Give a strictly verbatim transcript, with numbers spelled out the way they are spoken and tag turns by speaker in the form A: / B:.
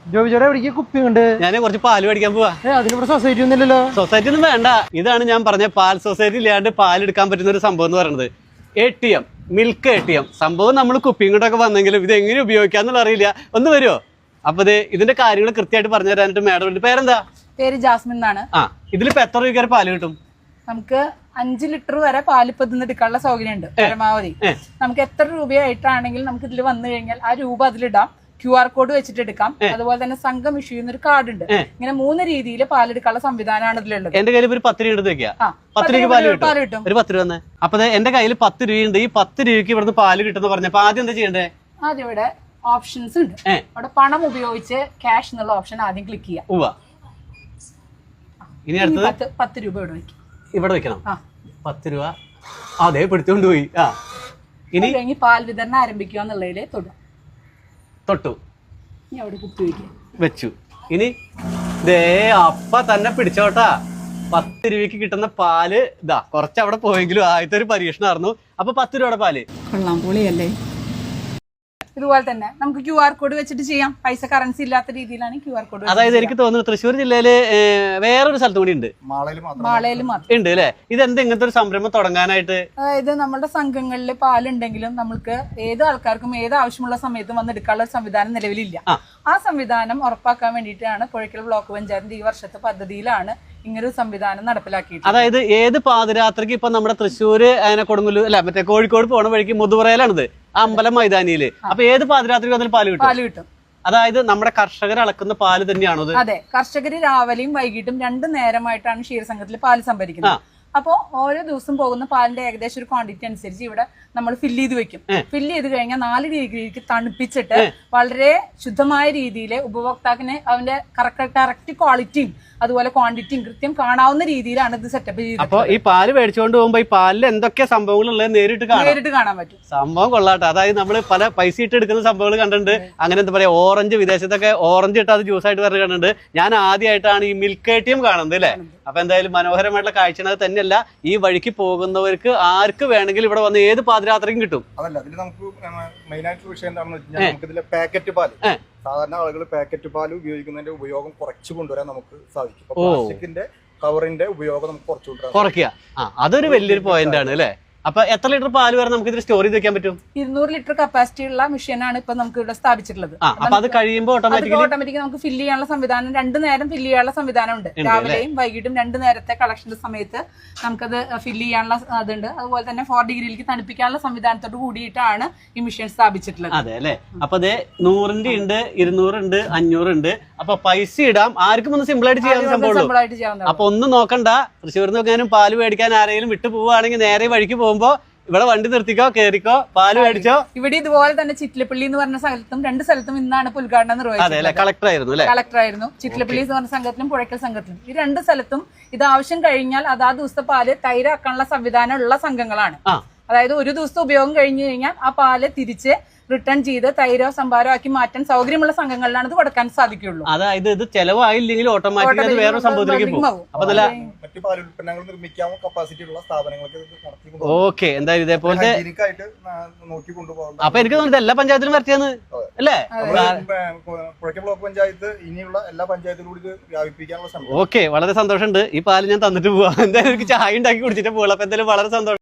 A: ജോബിച്ചേട്ടാ എവിടേക്ക് കുപ്പി ഉണ്ട്?
B: ഞാൻ കുറച്ച് പാല് മേടിക്കാൻ പോവാ.
A: അതിനിവിടെ സൊസൈറ്റി ഒന്നുമില്ലല്ലോ.
B: സൊസൈറ്റി ഒന്നും വേണ്ട. ഇതാണ് ഞാൻ പറഞ്ഞ പാൽ സൊസൈറ്റി ഇല്ലാണ്ട് പാൽ എടുക്കാൻ പറ്റുന്ന ഒരു സംഭവം എന്ന് പറയുന്നത്. A T M, milk A T M സംഭവം. നമ്മൾ കുപ്പിയും കൊണ്ടൊക്കെ വന്നെങ്കിലും ഇത് എങ്ങനെ ഉപയോഗിക്കാന്നുള്ള അറിയില്ല. ഒന്ന് വരുമോ? അപ്പൊ ഇത് ഇതിന്റെ കാര്യങ്ങൾ കൃത്യമായിട്ട് പറഞ്ഞു തരാനായിട്ട് മാഡം. പേരെന്താ?
C: പേര് ജാസ്മിൻ എന്നാണ്.
B: ആ, ഇതിലിപ്പോ എത്ര രൂപ വരെ പാല് കിട്ടും?
C: നമുക്ക് അഞ്ച് ലിറ്റർ വരെ പാല് ഇപ്പൊ ഇതിന്ന് എടുക്കാനുള്ള സൗകര്യം ഉണ്ട് പരമാവധി. നമുക്ക് എത്ര രൂപയായിട്ടാണെങ്കിലും നമുക്ക് ഇതിൽ വന്നു കഴിഞ്ഞാൽ ആ രൂപ അതിലിടാം. ക്യു ആർ കോഡ് വെച്ചിട്ട് എടുക്കാം. അതുപോലെ തന്നെ സംഘം ഇഷ്യൂ ചെയ്യുന്ന ഒരു കാർഡ് ഉണ്ട്. ഇങ്ങനെ മൂന്ന് രീതിയിൽ പാലെടുക്കാനുള്ള സംവിധാനമാണ് ഇതിലുള്ളത്.
B: എന്റെ കയ്യിൽ ഒരു പത്ത് രൂപ എടുത്ത് വെക്കാം. പത്ത് രൂപ പാല് കിട്ടും. ഒരു പത്ത് രൂപ തന്നെ. അപ്പൊ എന്റെ കയ്യിൽ പത്ത് രൂപയുണ്ട്. ഈ പത്ത് രൂപയ്ക്ക് ഇവിടുന്ന് പാല് കിട്ടുന്ന പറഞ്ഞപ്പോ ആദ്യം എന്താ ചെയ്യണ്ടേ?
C: ആദ്യം ഇവിടെ ഓപ്ഷൻസ് ഉണ്ട്. അവിടെ പണം ഉപയോഗിച്ച് ക്യാഷ് എന്നുള്ള ഓപ്ഷൻ ആദ്യം ക്ലിക്ക് ചെയ്യാം. ഇനി അടുത്തത് പത്ത് രൂപ ഇവിടെ വെക്കും. ഇവിടെ വെക്കണം.
B: പത്ത് രൂപ അതെ പിടിച്ചോണ്ട് പോയി. ആ, ഇനി
C: കഴിഞ്ഞ് പാൽ വിതരണം ആരംഭിക്കുക എന്നുള്ളതിൽ തൊടും.
B: തൊട്ടു.
C: ഇനി അവിടെ കുത്തി വയ്ക്കുക.
B: വെച്ചു. ഇനി ദേ അപ്പ തന്നെ പിടിച്ചോട്ടാ. പത്ത് രൂപയ്ക്ക് കിട്ടുന്ന പാല് ഇതാ. കുറച്ച് അവിടെ പോയെങ്കിലും ആദ്യത്തെ ഒരു പരീക്ഷണമായിരുന്നു. അപ്പൊ പത്ത് രൂപയുടെ പാല്
C: കൊള്ളാം, പൊളിയല്ലേ? ഇതുപോലെ തന്നെ നമുക്ക് ക്യു ആർ കോഡ് വെച്ചിട്ട് ചെയ്യാം. പൈസ കറൻസി ഇല്ലാത്ത രീതിയിലാണ് ക്യു ആർ കോഡ്.
B: അതായത് എനിക്ക് തോന്നുന്നു തൃശ്ശൂർ ജില്ലയില് വേറൊരു സ്ഥലത്തും കൂടി ഉണ്ട്.
C: മാളയിൽ മാത്രം
B: ഉണ്ട് അല്ലെ? ഇതെന്ത് ഇങ്ങനത്തെ ഒരു സംരംഭം തുടങ്ങാനായിട്ട്?
C: അതായത് നമ്മുടെ സംഘങ്ങളിൽ പാലുണ്ടെങ്കിലും നമുക്ക് ഏത് ആൾക്കാർക്കും ഏത് ആവശ്യമുള്ള സമയത്തും വന്ന് എടുക്കാനുള്ള ഒരു സംവിധാനം നിലവിലില്ല. ആ സംവിധാനം ഉറപ്പാക്കാൻ വേണ്ടിയിട്ടാണ് പുഴയ്ക്കൽ ബ്ലോക്ക് പഞ്ചായത്തിന്റെ ഈ വർഷത്തെ പദ്ധതിയിലാണ് ഇങ്ങനൊരു സംവിധാനം നടപ്പിലാക്കിയിട്ട്.
B: അതായത് ഏത് പാതിരാത്രിക്ക് ഇപ്പൊ നമ്മുടെ തൃശ്ശൂര് അതിനെ കൊടുങ്ങല്ലൂർ അല്ല മറ്റേ കോഴിക്കോട് പോണ വഴിക്ക് മുതുവറയിലാണിത്, അമ്പലം മൈതാനിയില്. അപ്പൊ ഏത് പാതിരാത്രിക്ക് വന്നാലും പാല് കിട്ടും.
C: പാല് കിട്ടും.
B: അതായത് നമ്മുടെ കർഷകർ അളക്കുന്ന പാല് തന്നെയാണോ?
C: അതെ, കർഷകര് രാവിലെയും വൈകിട്ടും രണ്ടു നേരമായിട്ടാണ് ക്ഷീരസംഘത്തിൽ പാല് സംഭരിക്കുന്നത്. അപ്പോ ഓരോ ദിവസം പോകുന്ന പാലിന്റെ ഏകദേശം ഒരു ക്വാണ്ടിറ്റി അനുസരിച്ച് ഇവിടെ നമ്മൾ ഫില്ല് ചെയ്ത് വെക്കും. ഫില്ല് ചെയ്ത് കഴിഞ്ഞാൽ നാല് ഡിഗ്രിക്ക് തണുപ്പിച്ചിട്ട് വളരെ ശുദ്ധമായ രീതിയിൽ ഉപഭോക്താവിന് അവന്റെ കറക്റ്റ് ക്വാളിറ്റിയും അതുപോലെ ക്വാണ്ടിറ്റിയും കൃത്യം കാണാവുന്ന രീതിയിലാണ് ഇത് സെറ്റപ്പ് ചെയ്തത്.
B: അപ്പൊ ഈ പാല് മേടിച്ചുകൊണ്ട് പോകുമ്പോ ഈ പാലിൽ എന്തൊക്കെ സംഭവങ്ങൾ ഉള്ളത് നേരിട്ട്
C: നേരിട്ട് കാണാൻ പറ്റും.
B: സംഭവം കൊള്ളാട്ടെ. അതായത് നമ്മൾ പല പൈസ ഇട്ട് എടുക്കുന്ന സംഭവങ്ങൾ കണ്ടിട്ടുണ്ട്. അങ്ങനെ എന്താ പറയാ, ഓറഞ്ച് വിദേശത്തൊക്കെ ഓറഞ്ച് ഇട്ട് അത് ജ്യൂസ് ആയിട്ട് പറഞ്ഞ് കണ്ടിട്ടുണ്ട്. ഞാൻ ആദ്യമായിട്ടാണ് ഈ മിൽക്ക് എ ടി എം കാണുന്നത് അല്ലെ. അപ്പൊ എന്തായാലും മനോഹരമായിട്ടുള്ള കാഴ്ചയാണ്. അത് തന്നെയല്ല, ഈ വഴിക്ക് പോകുന്നവർക്ക് ആർക്ക് വേണമെങ്കിലും ഇവിടെ വന്ന് ഏത് പാതിരാത്രിക്കും കിട്ടും.
D: അതല്ല, അതിൽ നമുക്ക് മെയിൻ ആയിട്ടുള്ള വിഷയം എന്താണെന്ന് വെച്ചാൽ നമുക്ക് ഇതിലെ പാക്കറ്റ് പാല്, സാധാരണ ആളുകൾ പാക്കറ്റ് പാല് ഉപയോഗിക്കുന്നതിന്റെ ഉപയോഗം കുറച്ച് കൊണ്ടുവരാൻ നമുക്ക് സാധിക്കും. പ്ലാസ്റ്റിക്കിന്റെ കവറിന്റെ ഉപയോഗം നമുക്ക് കുറച്ച് കൊണ്ടുവരാൻ
B: കുറയ്ക്കുക. അതൊരു വലിയൊരു പോയിന്റ് ആണ് അല്ലെ. അപ്പൊ എത്ര ലിറ്റർ പാല് വരെ നമുക്ക് ഇതിൽ സ്റ്റോർ ചെയ്ത് വെക്കാൻ പറ്റും?
C: ഇരുന്നൂറ് ലിറ്റർ കപ്പാസിറ്റി ഉള്ള മെഷീനാണ് ഇപ്പൊ നമുക്ക് ഇവിടെ സ്ഥാപിച്ചിട്ടുള്ളത്.
B: അപ്പൊ അത് കഴിയുമ്പോൾ ഓട്ടോമാറ്റിക്കലി
C: ഓട്ടോമാറ്റിക് നമുക്ക് ഫില്ല് ചെയ്യാനുള്ള സംവിധാനം, രണ്ടു നേരം ഫില്ല് ചെയ്യാനുള്ള സംവിധാനം ഉണ്ട്. രാവിലെയും വൈകിട്ടും രണ്ടു നേരത്തെ കളക്ഷന്റെ സമയത്ത് നമുക്കത് ഫില്ല് ചെയ്യാനുള്ള അതുണ്ട്. അതുപോലെ തന്നെ ഫോർ ഡിഗ്രിയിലേക്ക് തണുപ്പിക്കാനുള്ള സംവിധാനത്തോട് കൂടിയിട്ടാണ് ഈ മെഷീൻ സ്ഥാപിച്ചിട്ടുള്ളത്.
B: അതെ അല്ലെ. അപ്പൊ അതെ നൂറിന്റെ ഉണ്ട്, ഇരുന്നൂറുണ്ട്, അഞ്ഞൂറുണ്ട്. അപ്പൊ പൈസ ഇടാം. ആർക്കും ഒന്ന് സിമ്പിൾ ആയിട്ട് ചെയ്യാൻ സംഭവം. അപ്പൊ ഒന്നും നോക്കണ്ട. തൃശ്ശൂരിൽ നിന്ന് പാല് മേടിക്കാൻ ആരെങ്കിലും വിട്ടു പോവുകയാണെങ്കിൽ നേരെ വഴിക്ക് പോകുമ്പോ ഇവിടെ വണ്ടി നിർത്തിക്കോ, കേറിക്കോ, പാല് മേടിച്ചോ.
C: ഇവിടെ ഇതുപോലെ തന്നെ ചിറ്റിലപ്പള്ളി എന്ന് പറഞ്ഞ സ്ഥലത്തും രണ്ട് സ്ഥലത്തും ഇന്നാണ് ഉദ്ഘാടനം നിർവഹിച്ചത്.
B: കളക്ടർ ആയിരുന്നു അല്ലെ.
C: കളക്ടർ ആയിരുന്നു. ചിറ്റിലപ്പള്ളി എന്ന് പറഞ്ഞ സംഘത്തിലും പുഴയ്ക്കൽ സംഘത്തിലും ഈ രണ്ട് സ്ഥലത്തും ഇത് ആവശ്യം കഴിഞ്ഞാൽ അതാ ദിവസത്തെ പാല് തൈരാക്കാനുള്ള സംവിധാനം ഉള്ള സംഘങ്ങളാണ്. അതായത് ഒരു ദിവസത്തെ ഉപയോഗം കഴിഞ്ഞു കഴിഞ്ഞാൽ ആ പാല് തിരിച്ച് റിട്ടേൺ ചെയ്ത് തൈരോ സംഭാരോ ആക്കി മാറ്റാൻ സൗകര്യമുള്ള സംഘങ്ങളിലാണ് ഇത് കൊടുക്കാൻ സാധിക്കുള്ളൂ.
B: അതായത് ഇത് ചെലവായില്ലെങ്കിൽ ഓട്ടോമാറ്റിക്കലി വേറെ സംഭവത്തിലേക്ക് പോകും. അപ്പൊ നല്ല
D: മറ്റു പാൽ ഉൽപ്പന്നങ്ങൾ നിർമ്മിക്കാവുന്ന കപ്പാസിറ്റി ഉള്ള സ്ഥാപനങ്ങൾക്ക്.
B: ഓക്കെ, എന്തായാലും ഇതേപോലത്തെ
D: നോക്കി കൊണ്ടുപോകും.
B: അപ്പൊ എനിക്ക് തോന്നുന്നത് എല്ലാ പഞ്ചായത്തിലും വരച്ചെന്ന് അല്ലേ.
D: പുഴയ്ക്കൽ ബ്ലോക്ക് പഞ്ചായത്ത് ഇനിയുള്ള എല്ലാ പഞ്ചായത്തിലും കൂടി വ്യാപിപ്പിക്കാനുള്ള സംഭവം.
B: ഓക്കെ, വളരെ സന്തോഷമുണ്ട്. ഈ പാല് ഞാൻ തന്നിട്ട് പോവാം. എന്തായാലും എനിക്ക് ചായ ഉണ്ടാക്കി കുടിച്ചിട്ട് പോകാം. അപ്പൊ എന്തായാലും വളരെ സന്തോഷം.